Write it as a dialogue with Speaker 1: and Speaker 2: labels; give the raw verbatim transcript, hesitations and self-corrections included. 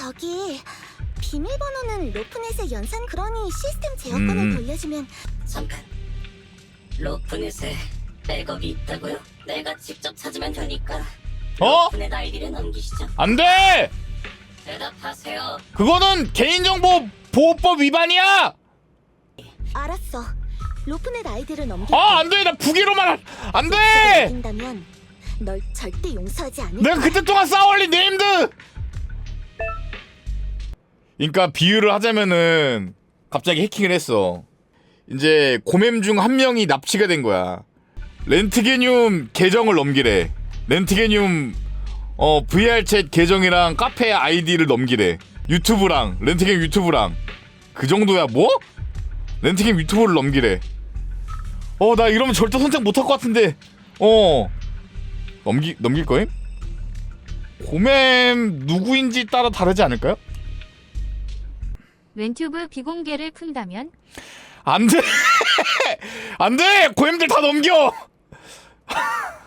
Speaker 1: 저기 비밀번호는 로프넷의 연산, 그러니 시스템 제어권을
Speaker 2: 음.
Speaker 1: 돌려주면.
Speaker 3: 잠깐. 로프넷에 백업이 있다고요? 내가 직접 찾으면 되니까.
Speaker 2: 어?
Speaker 3: 로프넷 아이디를 넘기시죠.
Speaker 2: 안 돼!
Speaker 3: 대답하세요.
Speaker 2: 그거는 개인정보 보호법 위반이야!
Speaker 1: 알았어. 로프넷 아이디를 넘길게.
Speaker 2: 아, 안 돼! 나 부기로만 할- 안 돼!
Speaker 1: 넘긴다면 널 절대 용서하지 않을
Speaker 2: 내가
Speaker 1: 거야.
Speaker 2: 그때 동안 쌓아올린 네임드! 그러니까 비유를 하자면은 갑자기 해킹을 했어. 이제 고맴 중 한 명이 납치가 된 거야. 렌트게늄 계정을 넘기래. 렌트게늄 어 브이알챗 계정이랑 카페 아이디를 넘기래. 유튜브랑 렌트게늄 유튜브랑 그 정도야. 뭐? 렌트게임 유튜브를 넘기래. 어, 나 이러면 절대 선택 못할 것 같은데. 어 넘기 넘길 거임? 고맴 누구인지 따라 다르지 않을까요?
Speaker 4: 렌튜브 비공개를 푼다면
Speaker 2: 안 돼! 안 돼! 고엠들 다 넘겨!